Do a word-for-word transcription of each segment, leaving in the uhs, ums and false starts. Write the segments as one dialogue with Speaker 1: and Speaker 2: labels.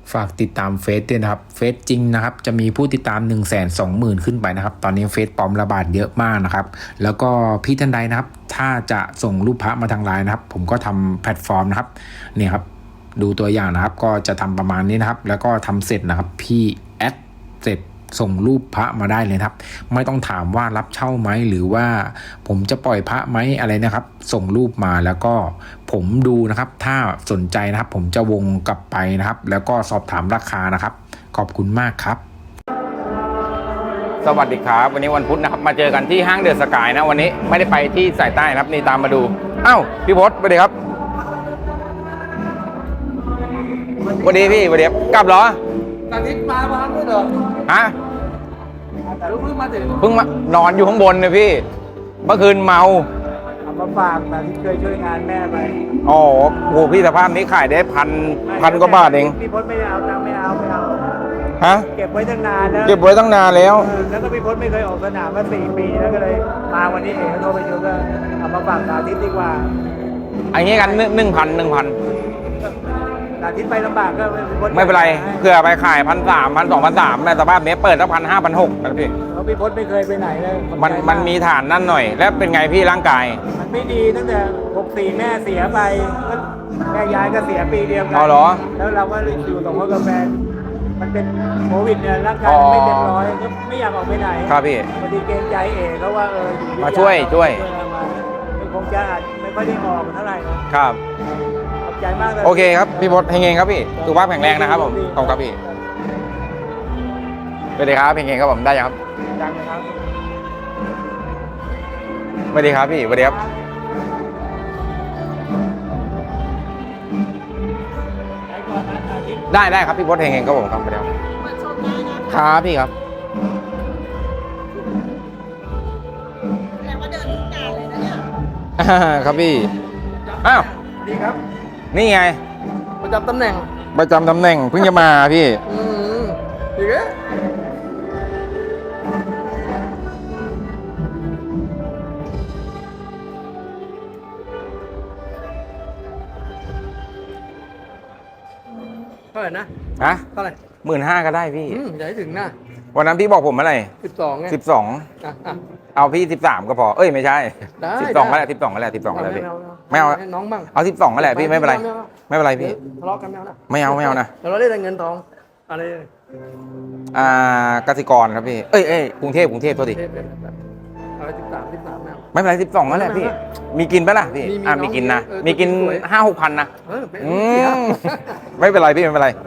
Speaker 1: ฝากติดตามเฟซด้วยนะครับเฟซจริงนะครับจะมีผู้ติดตาม หนึ่งแสนสองหมื่น ขึ้นไปนะครับตอนนี้เฟซปลอมระบาดเยอะมากนะครับแล้วก็พี่ท่านใดนะครับถ้าจะส่งรูปพระมาทางไลน์นะครับผมก็ทำแพลตฟอร์มนะครับเนี่ยครับดูตัวอย่างนะครับก็จะทำประมาณนี้นะครับแล้วก็ทำเสร็จนะครับพี่แอดเสร็จส่งรูปพระมาได้เลยครับไม่ต้องถามว่ารับเช่าไหมหรือว่าผมจะปล่อยพระไหมอะไรนะครับส่งรูปมาแล้วก็ผมดูนะครับถ้าสนใจนะครับผมจะวงกลับไปนะครับแล้วก็สอบถามราคานะครับขอบคุณมากครับ
Speaker 2: สวัสดีครับวันนี้วันพุธนะครับมาเจอกันที่ห้างเดอะสกายนะวันนี้ไม่ได้ไปที่สายใต้นะครับนี่ตามมาดูอ้าวพี่พศสวัสดีครับสวัสดีพี่สวัสดีครับกลับเหรอ
Speaker 3: ตอนนี้มาบ้านด้วยเหรอ
Speaker 2: ฮะ
Speaker 3: เพิ่งมาถึง
Speaker 2: เพิ่งมานอนอยู่ข้างบนเลยพี่เมื่อคืนเมา
Speaker 3: เอามาฝากแต่ที่เคยช่วยงานแม่ไป
Speaker 2: อ๋อโหพี่สภาพนี้ขายได้พันพันกว่าบาทเอง
Speaker 3: พี่พศไม่ได้เอาตังค์ไม่เอาไม่เอา
Speaker 2: ฮะ
Speaker 3: เก็บไว้ตั้งนานแล้ว
Speaker 2: เก็บไว้ตั้งนานแล้ว
Speaker 3: แล้วก็พี่พศไม่เคยออกสนามมาสี่ปีแล้วก็เลยมาวันนี้เองโทรไปดูก็เอามาฝากสาธิตดีกว่า
Speaker 2: อันนี้กันหนึ่งพันหนึ่งพัน
Speaker 3: สาธิตไปลำบากก็
Speaker 2: ไม่เป็นไรเพื่อไปขายพันสามพันสองพันสามในสภาพนี้เปิดตั้งพันห้าพันหกนะพี่
Speaker 3: เพราะพี่พศไม่เคยไปไหนเลย
Speaker 2: มันมันมีฐานนั่นหน่อยแล้วเป็นไงพี่ร่างกาย
Speaker 3: มันไม่ดีตั้งแต่หกสี่แม่เสียไปแม่ยายก็เสียปีเดียวกั
Speaker 2: อ๋อเหรอ
Speaker 3: แล้วเราก็อยู่สองคนกับแฟนมันเป็นโควิดเนี่ยร่างกายไม่เต็มร้อยก็ไม่อยากออกไปไหน
Speaker 2: ครับพี่
Speaker 3: พอดีเกรงใจเอ๋เขาว่าเออ
Speaker 2: มาช่วยช่วย
Speaker 3: คงจะไม่ค่อยได้ออกเท่าไหร่
Speaker 2: ครับ
Speaker 3: ขอบใจมากเลย
Speaker 2: โอเคครับพี่พศเฮงๆครับพี่สุขภาพแข็งแรงนะครับผมขอบคุณครับพี่สวัสดีครับเฮงๆครับผมได้ยังครับ
Speaker 3: ดังครับ
Speaker 2: สวัสดีครับพี่สวัสดีครับได้ได้ครับพี่พศเฮงๆครับผมครับไปแล้วครับพี่ครับ
Speaker 4: แต่ว่าเดินทุกงานเลยนะเนี่ย
Speaker 2: ครับพี่อ้าว
Speaker 3: ดีครับ
Speaker 2: นี่ไง
Speaker 3: ประจำตำแหน่ง
Speaker 2: ประจำตำแหน่งเพิ่งจะมาพี่
Speaker 3: อืมดีเหรอเท่าไหร่นะ
Speaker 2: ฮะ
Speaker 3: เท่าไหร่
Speaker 2: หมื่นห้าก็ได้พี่
Speaker 3: อืมอย่าให้ถึงนะ
Speaker 2: วันนั้นพี่บอกผมเมื่อไหร่
Speaker 3: สิบสองไง
Speaker 2: สิบสอง
Speaker 3: อ่ะอ่ะ
Speaker 2: เอาพี่สิบสามก็พอเอ้ยไม่ใช่
Speaker 3: ได้
Speaker 2: สิบสองก็แหละสิบสองก็แหละสิบสองก็แหละพี่ไม่เอา
Speaker 3: ให้น้องบ้าง
Speaker 2: เอาสิบสองก็แหละพี่ไม่เป็นไรไม่เป็นไรพี่
Speaker 3: ทะเลาะกันไม่เอานะ
Speaker 2: ไม่เอาไม่เอานะ
Speaker 3: เราได้เงินทองอะไร
Speaker 2: อ่ากสิกรครับพี่เอ้ยเอ้ยกรุงเทพกรุงเทพโทษที
Speaker 3: อะไรสิบสามสิบสาม
Speaker 2: ไม่เป็นไรสิบสองก็แหละพี่มีกินปะล่ะพี่อ่ามีกินนะมีกินห้าหกพันนะไม่เป็นไรพี่ไม่เป็นไร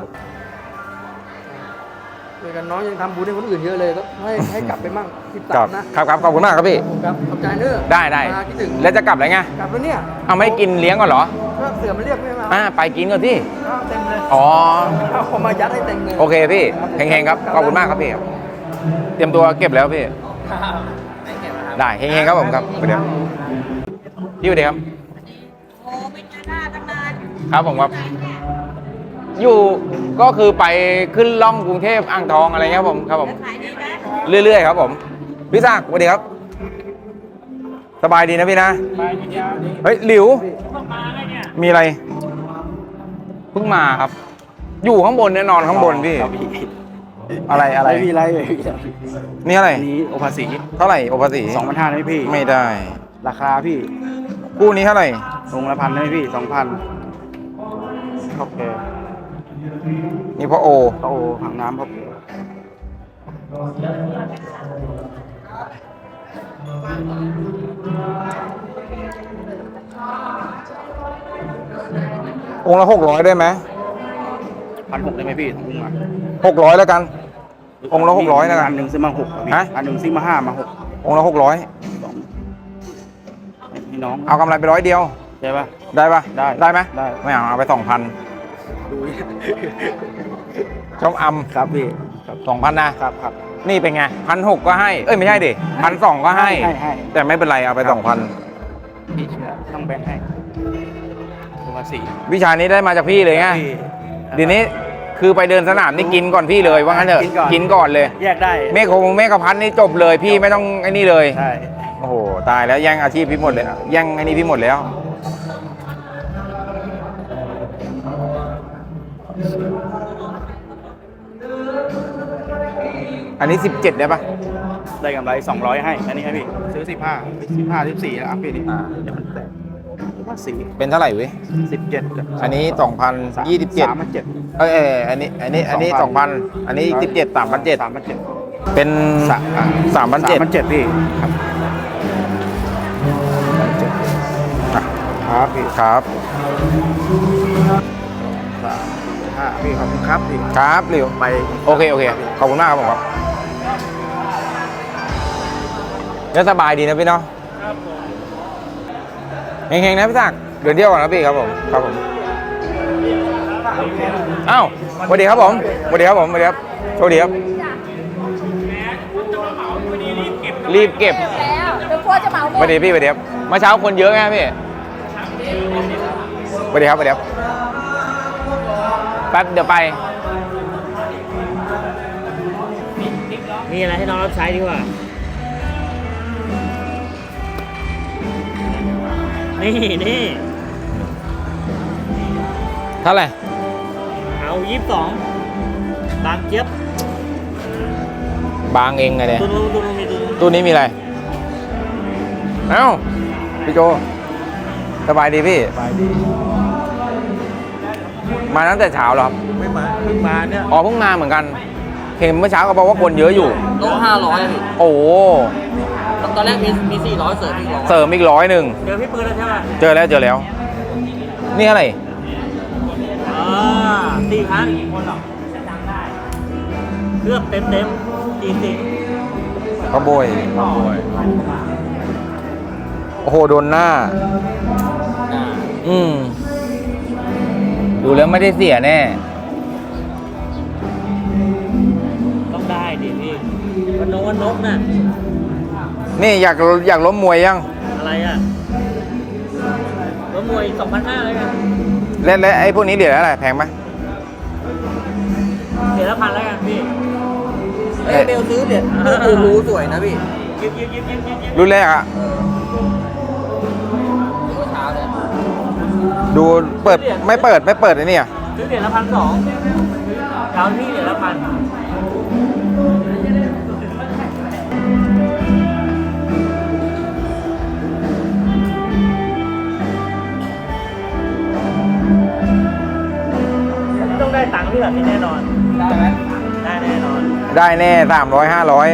Speaker 3: เกันน้องยังทำบุญให้คนอื่นเยอะเลยก็ให้ให้กลับไปมั่งสิบสาม
Speaker 2: นะครับครับขอบคุณมากครับพี่
Speaker 3: ครับขอบใจเนอะ
Speaker 2: ได้ได้แล้วจะกลับอะไรไง
Speaker 3: กลับแล้วเนี่ย
Speaker 2: เอาไม่กินเลี้ยงก่อนเหรอ
Speaker 3: ก็เสือมันเรียกไม่มา
Speaker 2: อ่าไปกินก่อนที่
Speaker 3: เต็มเลย
Speaker 2: อ๋อ
Speaker 3: เอามายัดให้เต็มเลย
Speaker 2: โอเคพี่เฮงๆครับขอบคุณมากครับพี่เตรียมตัวเก็บแล้วพี่ได้เฮงๆครับผมครับเดี๋ยวพี่สวัสดีครับ
Speaker 4: โอ้ไม่เจอหน้าตั้งนาน
Speaker 2: ครับผมครับอยู่ก็คือไปขึ้นล่องกรุงเทพอ่างทองอะไรเงี้ยครับผมครับผมเรื่อยๆครับผมพี่ศักดิ์สวัสดีครับสบายดีนะพี่นะเฮ้ยหลิวมีอะไรเพิ่งมาครับอยู่ข้างบนแน่นอนข้างบนพี่อะไรอะไร
Speaker 3: พี่ไร
Speaker 2: นี่อะไร
Speaker 3: นี่โอภาษี
Speaker 2: เท่าไหร่โอภาษี
Speaker 3: สองพันห้าได้พี่
Speaker 2: ไม่ได้
Speaker 3: ราคาพี่
Speaker 2: คู่นี้เท่าไหร่
Speaker 3: องค์ละพันได้พี่สองพันโอเค
Speaker 2: นี่พ่อโอ
Speaker 3: พ่อโอถังน้ำพ่อ
Speaker 2: องค์ละหกร้อยได้ไหม
Speaker 3: พันหกได้ไหมพี่องค์ละ
Speaker 2: หกร้อยแล้วกันองค์ละหกร้อยแล้วกัน
Speaker 3: อันหนึ่งซื้อมาหกฮะอันหนึ่งซื้อมาห้ามาหก
Speaker 2: องค์ละหกร้อย
Speaker 3: พี่น้อง
Speaker 2: เอากำไรไปร้อยเดียว
Speaker 3: ได้ปะ
Speaker 2: ได้ปะ
Speaker 3: ได้
Speaker 2: ได้ไหม
Speaker 3: ได้
Speaker 2: ไม่เอาเอาไปสองพันชมอำ
Speaker 3: ครับพี่
Speaker 2: สองพันนะครับ
Speaker 3: ครับ
Speaker 2: นี่เป็นไงพันหกก็ให้เอ้ยไม่ใช่ดิพันสองก็ให้แต่ไม่เป็นไรเอาไปสองพัน
Speaker 3: พี่เชื่อต้องแบ่งให้ตัวสี่
Speaker 2: วิชานี้ได้มาจากพี่เลยไงทีนี้คือไปเดินสนามนี่กินก่อนพี่เลยว่างั้นเถอะกินก่อนเลย
Speaker 3: แยกได้
Speaker 2: เมฆคงเมฆพันนี่จบเลยพี่ไม่ต้องไอ้นี่เลย
Speaker 3: ใช่
Speaker 2: โอ้โหตายแล้วแย่งอาชีพพี่หมดเลยแย่งไอ้นี่พี่หมดแล้วอันนี้สิบเจ็ดได้ปะ
Speaker 5: ได้กำไรสองร้อยให้อันนี้ให้พี่ซื้อสิบห้าสิบห้าสิบสี่แล้วอัพพี่ดิ
Speaker 2: อ่า
Speaker 5: เดี๋ยวมันแตกว่าสี่
Speaker 2: เป็นเท่าไหร่เว้ย
Speaker 5: สิบเจ็ด
Speaker 2: อันนี้สองพันยี่สิบเจ็ด
Speaker 5: สามพันเจ็ด
Speaker 2: เอ้ยเอ้ยอันนี้ อันนี้ อันนี้สองพันอันนี้สิบเจ็ดสามพันเจ็ด
Speaker 5: สามพันเจ็ด
Speaker 2: เป็นสามพันเจ็ด
Speaker 5: สามพันเจ็ดพี่ครับครับพี่
Speaker 2: ครับ
Speaker 5: สามห้าพี่ขอบคุณครับพี่
Speaker 2: ครับเร็ว
Speaker 5: ไป
Speaker 2: โอเค โอเค ขอบคุณมากครับผมครับแล้วสบายดีนะพี่เนาะเฮงๆนะพี่ศักดิ์เดือนเดียวก่อนนะพี่ครับผม ครับผม อ้าวสวัสดีครับผมสวัสดีครับผมสวัสดีครับโชคดีครับ รีบเก็บ
Speaker 4: แล้วเดี๋ยวกลัวจะเหมาหม
Speaker 2: สวั
Speaker 4: ด
Speaker 2: สดีพี่สวัสดีครับเมื่อเช้าคนเยอะไงพี่สวัสดีครับสวัสดีครับแป๊บเดี๋ยวไป
Speaker 3: มีอะไรให้น้องรับใช้ดีกว่า นี่นี่
Speaker 2: เท่าไหร่
Speaker 3: เอายี่สิบสองบางเจี๊ยบบ
Speaker 2: างเองไงเนี่ย
Speaker 3: ตัวนู้นตัวนู้นมีตัวนู้น
Speaker 2: ตู้นี้มีอะไร เอ้า พี่โจ สบายดีพี่
Speaker 3: ไปดี
Speaker 2: มาตั้งแต่เช้าเหรอครับ
Speaker 3: ไม่มาเพิ่งมาเนี่ย
Speaker 2: อ๋อเพิ่งมาเหมือนกัน เห็นเมื่อเช้าเขาบอกว่าคนเยอะอยู่
Speaker 6: โต๊ะห้าร้อยพี่
Speaker 2: โอ้โห
Speaker 6: ตอนแรกมีมีสี่ร้อยเสริมอีกร้อย
Speaker 2: เสริมอีกร้อยหนึ่ง
Speaker 3: เจอพี่ปืนแล้วใช่ไหม
Speaker 2: เจอแล้วเจอแล้ว นี่อะไร
Speaker 3: อ่าสี่พันคนหรอเครื่องเต็มเต็มสี่สิบ
Speaker 2: ขโมยโอ้โห โดนหน้า อืม ดูแล้วไม่ได้เสียแน่
Speaker 3: ต้องได้ดิพี่วันนกวันนกน่ะ
Speaker 2: นี่อยากอยากล้มมวยยัง
Speaker 3: อะไรอ่ะรถมวยสองพันห้าเลยกัน
Speaker 2: และและไอ้พวกนี้เดี๋ยวอะไรแพงไหม
Speaker 3: เดี๋ยวละพันแล้วกันพี่
Speaker 6: เอ้ยเบลซื้อเหรียญโอ้โหสวยนะพี่
Speaker 3: ยิบยิบยิบยิบยิบยิบ
Speaker 2: รุ่นแรกอะ
Speaker 6: เมื่อเช้าเนี่ย
Speaker 2: ดูเปิดไม่เปิดไม่เปิดไอ้นี่อะ
Speaker 3: ซื้อเหรียญละพันสองดาวที่เหรียญละพันต้องได้ตังค์ที่แบบนี้แน่นอน
Speaker 6: ได้ไหม
Speaker 3: ได้แน่นอน
Speaker 2: ได้แน่สามร้อยห้าร้อย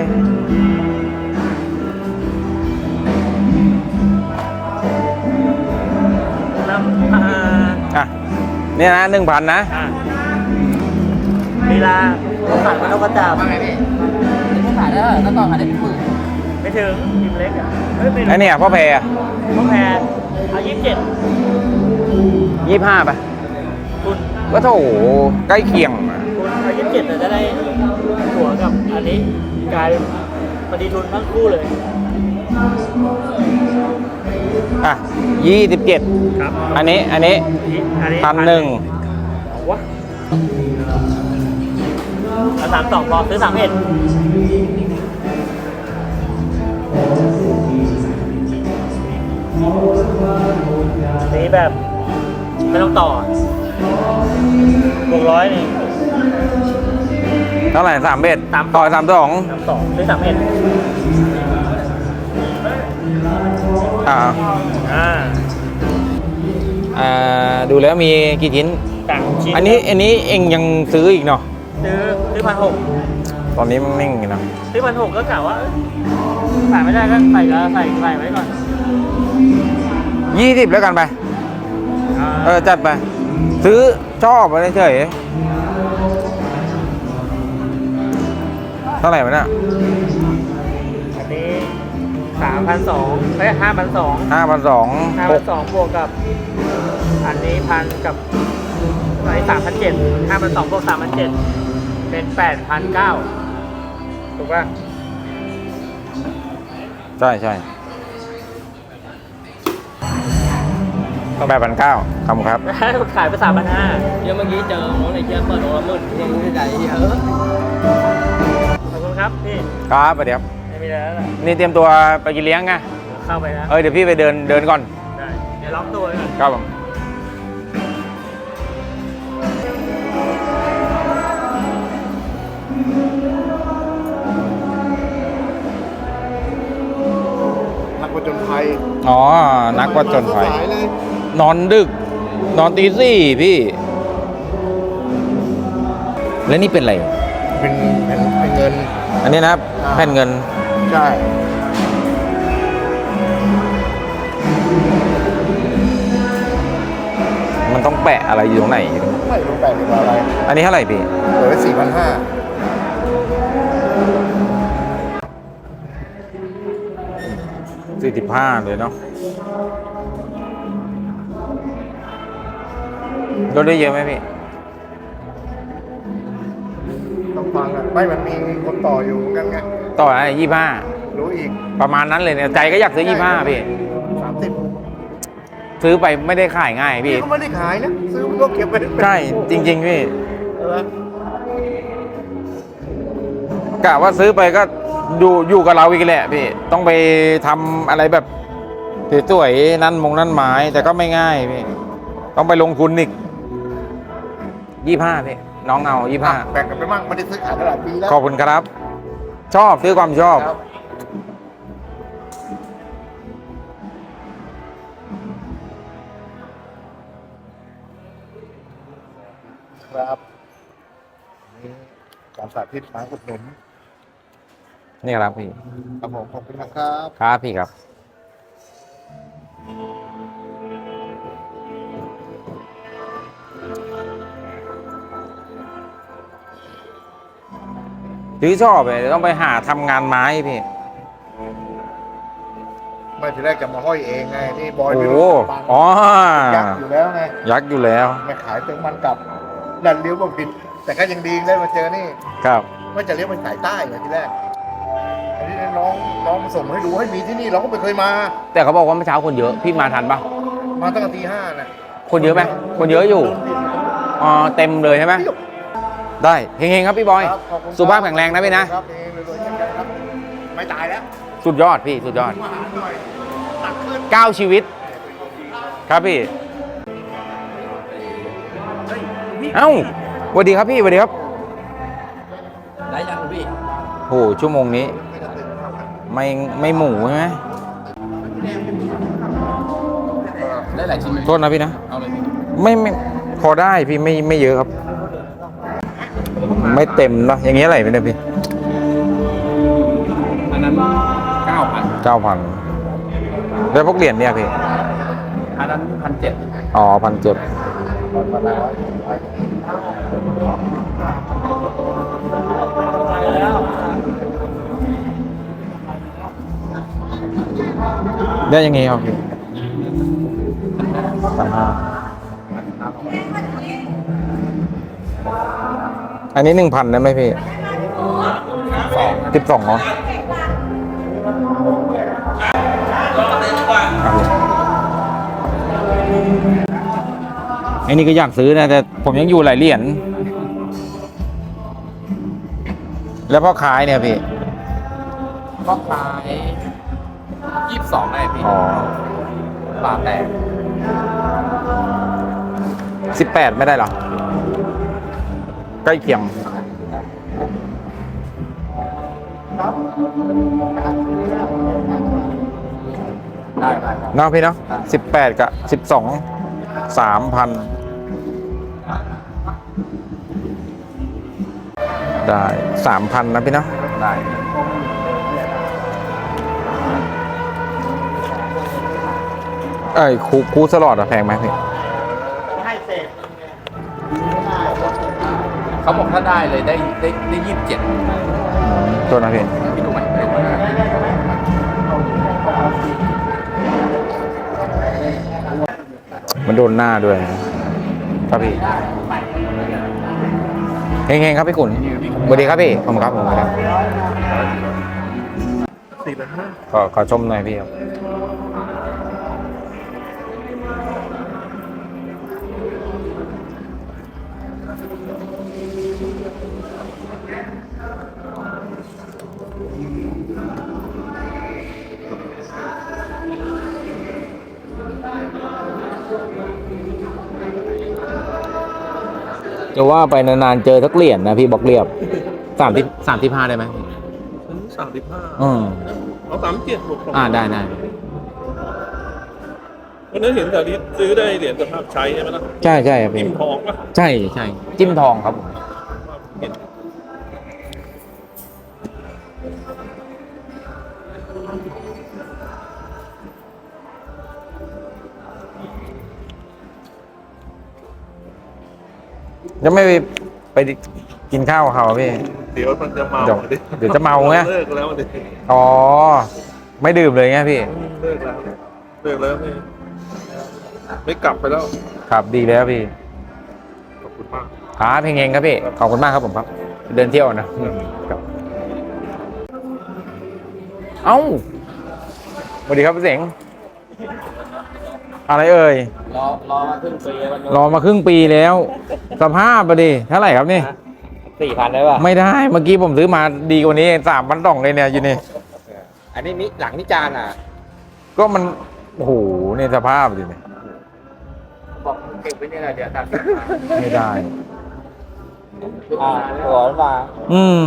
Speaker 3: แล้วอ่า
Speaker 2: อ่ะเนี่ยนะหนึ่งพันนะ
Speaker 3: อ่ะเวลาเขาขายมันนกกระจาบ
Speaker 6: ว่าไงพี่นี่ขายได้เท่าไหร่แล้วก่อนขายได้เป็นหมื่น
Speaker 3: ไม่ถึงพิมพ์เล็กอ่ะเฮ้ยไม่
Speaker 2: ไอ้
Speaker 3: รู้
Speaker 2: เนี่ยพ่อแพร
Speaker 3: เขาแพงเอายี่สิบเจ็ด
Speaker 2: ยี่ห้าไป
Speaker 3: คุณ
Speaker 2: ก็โถใกล้เคียงอะ
Speaker 3: คุณเอายี่สิบเจ็ดแต่จะได้หัวกับอันนี้กลายเป็นพอดีทุนทั้งคู่เลย
Speaker 2: อ่ะยี่สิบเจ็ด
Speaker 3: ครับ
Speaker 2: อันนี้อันนี้
Speaker 3: อันนี้
Speaker 2: พันหนึ่ง
Speaker 3: เอาวะเอาสามสองพอซื้อสามเอ็ดสีแบบไม่ต้องต่อบวกร้อยนี่
Speaker 2: เท่าไหร่สามเบ็ด
Speaker 3: สาม
Speaker 2: ต่อสามสอง
Speaker 3: สามสองซื้อสามเอ็ด
Speaker 2: อ่า
Speaker 3: อ่า
Speaker 2: อ่าดูแล้วมีกี่ชิ้น
Speaker 3: ต่างชิ้น
Speaker 2: อันนี้อันนี้เองยังซื้ออีกเนาะ
Speaker 3: ซื้อซื้อพันหก
Speaker 2: ตอนนี้มันนิ่งอยู่นะ
Speaker 3: ซื้อพันหกก็กะว่าเอ้ยขายไม่ได้ก็ใส่ก็ใส่ใส่ไว้ก่อน
Speaker 2: ยี่สิบแล้วกันไป
Speaker 3: อ่า
Speaker 2: เออ จัดไป ซื้อชอบไปเฉยเท่าไหร่วะเนี่ย
Speaker 3: อันนี้สามพันสองเอ้ยห้าพันสอง
Speaker 2: ห้าพันสอง
Speaker 3: ห้า
Speaker 2: ห
Speaker 3: พั
Speaker 2: ก
Speaker 3: นสองบวกกับ อันนี้พันกับไอ้สามพันเจ็ดห้าพันสองบวกสามพันเจ็ดเป็นแปดพันเก้าถูกป่ะ
Speaker 2: ใช่ใช่แปดพันเก้าคำครับ
Speaker 3: ขายไปสามพันห้า
Speaker 6: เดี๋ยวเมื่อกี้เจอน้องในเจี๊ยบเปิดโอละหมื่นยังไม่ได้ใจเยอะ
Speaker 3: ขอบคุณครับพี่
Speaker 2: ครับเดี๋ยว
Speaker 3: ไม่มีอะไรแล้วล่ะ
Speaker 2: นี่เตรียมตัวไปกินเลี้ยงไง
Speaker 3: เข้าไปนะ
Speaker 2: เออเดี๋ยวพี่ไปเดินเดินก่อน
Speaker 3: ได้เดี๋ยวล็อกตัวไว้ก่อน
Speaker 2: ครับผมอ๋อ นักวัดจนภัย
Speaker 5: สายเลย
Speaker 2: นอนดึก นอนตีสี่พี่ แล้วนี่เป็นอะไร
Speaker 5: เป็นเป็นเป็นเงิน
Speaker 2: อันนี้นะครับ
Speaker 5: อ่า
Speaker 2: แผ่นเงิน
Speaker 5: ใช่
Speaker 2: มันต้องแปะอะไรอยู่ตรงไหน
Speaker 5: ไม่รู้แปลกหรืออะไร
Speaker 2: อันนี้เท่าไหร่พี่
Speaker 5: เปิดไว้สี่พันห้า
Speaker 2: สี่สิบห้าเลยเนาะลดได้เยอะไหมพี่
Speaker 5: ต้องฟังอ่ะไม่มันมีคนต่ออยู่เหมือนกันไง
Speaker 2: ต่ออะไรยี่ห้า
Speaker 5: รู้อีก
Speaker 2: ประมาณนั้นเลยเนี่ย ใจก็อยากซื้อยี่ห้าพี่
Speaker 5: สามสิบ
Speaker 2: ซื้อไปไม่ได้ขายง่ายพี่
Speaker 5: พี่ก็ไม่ได้ขายนะ ซื้อมันก็เก็บไว้
Speaker 2: ใช่ จริง ๆ พี่
Speaker 5: เออก
Speaker 2: ะว่าซื้อไปก็อยู่อยู่กับเราอีกแหละพี่ ต้องไปทำอะไรแบบสวยๆนั่นมงนั่นไม้แต่ก็ไม่ง่ายพี่ ต้องไปลงทุนอีกยี่ห้าพี่ น้องเอายี่ห้า
Speaker 5: แบ่งกันไปมั่งไม่ได้ซื้อขายตลาดปีแล้ว
Speaker 2: ขอบคุณครับ ชอบซื้อความชอบ
Speaker 5: ครับครับนี่การสาธิตมาอุดหนุน
Speaker 2: นี่ครับพี่
Speaker 5: ครับผมขอบคุณนะครับ
Speaker 2: ครับพี่ครับ ซื้อชอบเลยต้องไปหาทำงานไม้พี่
Speaker 5: ไม่ทีแรกจะมาห้อยเองไงนี่บอย
Speaker 2: โอ้
Speaker 5: ไม่
Speaker 2: โห
Speaker 5: รู้ปัง
Speaker 2: อ๋อ
Speaker 5: ยักษ์อยู่แล้วไง
Speaker 2: ยักษ์อยู่แล้ว
Speaker 5: ไม่ขายเติมมันกลับดันเลี้ยวมาผิด แต่ก็ยังดีได้มาเจอนี่
Speaker 2: ครับ
Speaker 5: ว่าจะเลี้ยวไปสายใต้ไงทีแรกอันนี้น้องน้องมาส่งมาให้ดูให้มีที่นี่เราก็ไม่เคยมา
Speaker 2: แต่เขาบอกว่าเมื่อเช้าคนเยอะ พี่มาทันปะ
Speaker 5: มาตั้งแต่ตีห้าน่ะ
Speaker 2: คนเยอะไหมคนเยอะอยู่ อ๋อ เต็มเลยใช่ไหม ได้ เฮงๆครับพี่บอย
Speaker 5: ครับขอบคุณครับ
Speaker 2: สุขภาพแข็งแรงนะพี่นะ
Speaker 5: ครับเองรวยๆเช่นกันครับ ไม่ตายแล้ว
Speaker 2: สุดยอดพี่ สุดยอด
Speaker 5: มาหาหน่อยตักขึ้น
Speaker 2: เก้าชีวิต ครับพี่ เอ้าสวัสดีครับพี่สวัสดีครับ
Speaker 6: ได้ยังพี่
Speaker 2: โห ชั่วโมงนี้ ไม่ไม่หมูใช่ไหม
Speaker 6: ได้หลายชิ้นไหม
Speaker 2: โทษนะพี่นะ
Speaker 6: เอาเลยพี่
Speaker 2: ไม่ไม่พอได้พี่ไม่ไม่เยอะครับ ไม่เต็มเนอะอย่างเงี้ยอะไรไม่ได้พี่
Speaker 6: อันนั้นเก้าพัน
Speaker 2: เก้าพันแล้วพวกเหรียญเนี่ยพี่
Speaker 6: อันนั้นพันเจ็ด
Speaker 2: อ๋อพันเจ็ดได้ยังไงครับพี่สามห้าอันนี้หนึ่งพันได้ไหมพี่สิบสองเนาะไอ้นี่ก็อยากซื้อนะแต่ผมยังอยู่หลายเหรียญแล้วพ่อขายเนี่ยพี่
Speaker 6: ก็ขายยี่สิบสองได้พี่
Speaker 2: อ๋อ
Speaker 6: บาทแตก
Speaker 2: สิบแปดไม่ได้เหรอ ใกล้เคียง
Speaker 6: ได้ได้
Speaker 2: เนาะพี่เนาะสิบแปดกับสิบสองสามพันได้สามพันนะพี่เนาะ
Speaker 6: ได้
Speaker 2: เอ้ยคูคูสลอดอะแพงไหมพี่
Speaker 6: เขาบอกถ้าได้เลยได้ได้ได้ยี่สิบเจ็ด
Speaker 2: ตัวนะพี่
Speaker 6: พี่ดูไหม
Speaker 2: มันโดนหน้าด้วยครับพี่เฮงๆครับพี่ขุนสวัสดีครับพี่ผมครับผมครับ
Speaker 5: สี่พันห้า
Speaker 2: ขอขอชมหน่อยพี่ครับจะว่าไปนานๆเจอสักเหรียญนะพี่บอกเรียบสามที่สามที่ห้าได้ไหม
Speaker 5: สามสิบห้า
Speaker 2: อืม
Speaker 5: เอาสามเจ็ดบวก
Speaker 2: อ่าได้ได้
Speaker 7: วันนั้นเห็นแถวนี้ซื้อได้เหรียญสภาพใช้ใช่ไหมล่ะ
Speaker 2: ใช่ใช่ครับพี่
Speaker 7: พิมพ์ทองปะ
Speaker 2: ใช่ใช่จิ้มทองครับผม
Speaker 7: เห็น
Speaker 2: จะไม่ไปไปกินข้าวกับเขาอะพี่
Speaker 7: เดี๋ยวมันจะเมา
Speaker 2: เดี๋ยว
Speaker 7: ดิ
Speaker 2: เดี๋ยวจะเมาไง
Speaker 7: เลิกแล้วดิ
Speaker 2: อ๋อ ไม่ดื่มเลยไงพี่
Speaker 7: เลิกแล้วเลิกแล้วไม่ไม่กลับไปแล้ว
Speaker 2: ครับดีแล้วพี่
Speaker 7: ขอบคุณมาก
Speaker 2: ครับเพลงเองครับพี่ ขอบคุณมากครับผมครับ เดินเที่ยวนะครับเอ้าสวัสดีครับพี่เสงอะไรเอ่ย
Speaker 6: รอรอมาครึ่งปีมัน
Speaker 2: รอมาครึ่งปีแล้ว สภาพอะดิเท่าไหร่ครับนี่
Speaker 6: สี่พันได้ป่ะ
Speaker 2: ไม่ได้เมื่อกี้ผมซื้อมาดีกว่านี้สามพันสองเลยเนี่ยอยู่นี่
Speaker 6: อันนี้มิหลังนิจานอ่ะ
Speaker 2: ก็มันโอ้โหเนี่ยสภาพดิเนี่ย
Speaker 6: บอกเก็บไว้นี่แหละเดี๋ยวตัด
Speaker 2: ไม่ได้
Speaker 6: อ่าตัวมา
Speaker 2: อืม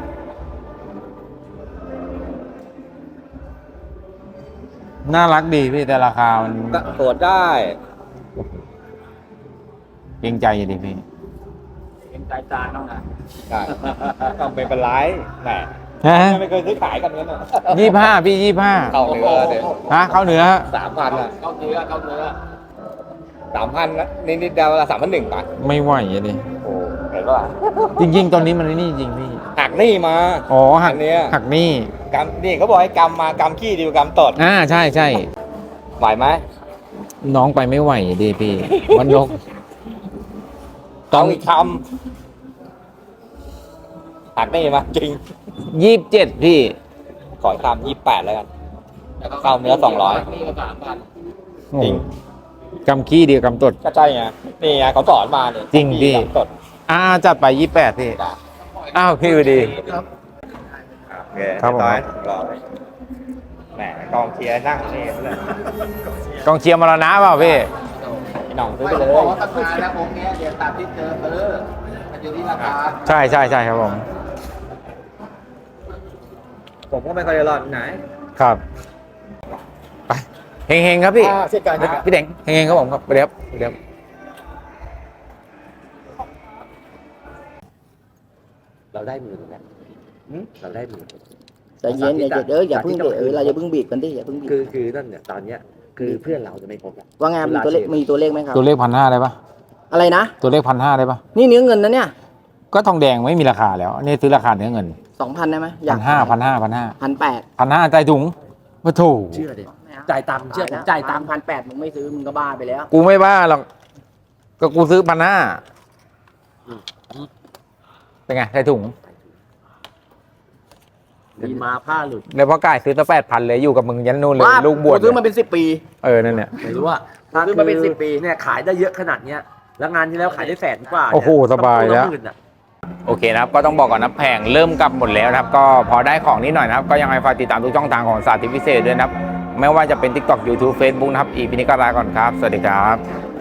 Speaker 2: น่ารักดีพี่แต่ราคามัน
Speaker 6: ตรวจได้
Speaker 2: เกรงใจอยู่ดิพี่
Speaker 6: เป็นใจจานต้องนะต้องเป็นเป็นไรแหม
Speaker 2: ฮะ
Speaker 6: ไม่เคยซื้อขายกันเงี้ยน่ะ
Speaker 2: ยี่ห้าพี่ยี่ห้า
Speaker 6: เข้าเนื้อเดี๋ยว
Speaker 2: ฮะเข้าเนื้อ
Speaker 6: สามพันอ่ะเข้าเนื้อเข้าเนื้อสามพันนะนี่นี่เดาวละสามพันหนึ่งป่ะ
Speaker 2: ไม่ไหวอะดิ
Speaker 6: โอ้เห็นป่ะ
Speaker 2: จริง ๆ ตอนนี้มันนี่จริงพี่
Speaker 6: หักหนี้มา
Speaker 2: อ๋อหัก
Speaker 6: อันเนี้ย
Speaker 2: หักหนี่
Speaker 6: กำนี่เขาบอกให้กำมากำขี้ดีกว่ากำตด
Speaker 2: อ่าใช่ใช่
Speaker 6: ไหวไหม
Speaker 2: น้องไปไม่ไหวดิพี่วันนก ต้
Speaker 6: ต้
Speaker 2: อ
Speaker 6: อง งอีกคำหักหนี้มาจริง
Speaker 2: ยี่สิบเจ็ดพี่
Speaker 6: ขออีกคำยี่แปดแล้วกันเข้าเนื้อสองร้อย จริง
Speaker 2: กำขี้เดียวกำตด
Speaker 6: ก็ใช่ไงนี่ไงเขาสอนมาเนี่ย
Speaker 2: จริงพี่
Speaker 6: กำตด
Speaker 2: อ่าจัดไปยี่แปดพี่ อ้าวพี่ดี ครับผม
Speaker 6: ร้อยร้อยแหมกองเชียร์นั่งนี่เลย
Speaker 2: กองเชียร์มรณะเปล่าพี่
Speaker 6: พี่น้องซื้อไปเลย
Speaker 8: บอกว่าราคาแล้วผมเนี้ยเดี๋ยวตามที่เจอซื้อมันอยู่ที่ราคา
Speaker 2: ใช่ใช่ใช่ครับผม
Speaker 6: ผมก็ไม่ค่อยได้รอดไหน
Speaker 2: ครับไปเฮงๆครับพี่
Speaker 6: อ่าเช่นกันเช่นกัน
Speaker 2: พี่เด่งเฮงๆครับผมครับไปเดี๋ยวเดี๋ยว
Speaker 8: เราได้หมื่นแล้วเราได้หมื่น
Speaker 9: ใจเย็นอย่าอย่าเด้ออย่าเพิ่งเดเออเราอย่าเพิ่งบีบกันดิอย่าเพิ่งบีบ
Speaker 8: คือคือนั่นเนี่ยตอนเนี้ยคือเพื่อนเราจะไม่ครบแล้ว
Speaker 9: ว่าไงมีตัวเลขมีตัวเลขไหมครับ
Speaker 2: ตัวเลขพันห้าได้ปะ
Speaker 9: อะไรนะ
Speaker 2: ตัวเลขพันห้าได้ปะ
Speaker 9: นี่เนื้อเงินนะเนี่ย
Speaker 2: ก็ทองแดงไม่มีราคาแล้วนี่ซื้อราคาเนื้อเงิน
Speaker 9: สองพันได้ไหมอ
Speaker 2: พั
Speaker 9: ยาก
Speaker 2: นห้าพันห้าพันห้า
Speaker 9: พันแปด
Speaker 2: พันห้าใจถุงมาถูก
Speaker 8: เชื่อดิจ่ายตังค์เชื่อผมจ่ายตังค์
Speaker 9: พันแปดมึงไม่ซื้อมึงก็บ้าไปแล้ว
Speaker 2: กูไม่บ้าหรอกก็กูซื้อพันห้าเป็นไงใจถุง
Speaker 8: มีมาผ้าหลุด
Speaker 2: แล้วพ่อกายซื้อตั้งแปดพันเลยอยู่กับมึงยันนู่นเลย
Speaker 9: บ้า
Speaker 2: ลูกบวช
Speaker 9: กูซื้อมาเป็นสิบปี
Speaker 2: เออนั่นเนี่ย
Speaker 8: ไม่รู้ว่า
Speaker 9: ซื้อมาเป็นสิบปี
Speaker 8: เนี่ยขายได้เยอะขนาดเนี้ยแล้วงานที่แล้วขายได้แสนกว่า
Speaker 2: โอ้โหสบายแล้ว
Speaker 8: ต้องพูดละหมื่นอะ
Speaker 2: โอเคนะครับก็ต้องบอกก่อนนะแผงเริ่มกลับหมดแล้วนะครับ ก็พอได้ของนิดหน่อยนะครับ ก็ยังไงฝากติดตามทุกช่องทางของสาธิตพิเศษด้วยนะครับ ไม่ว่าจะเป็น TikTok YouTube Facebook นะครับ อีพีนี้ก็ลาก่อนครับ สวัสดีครับ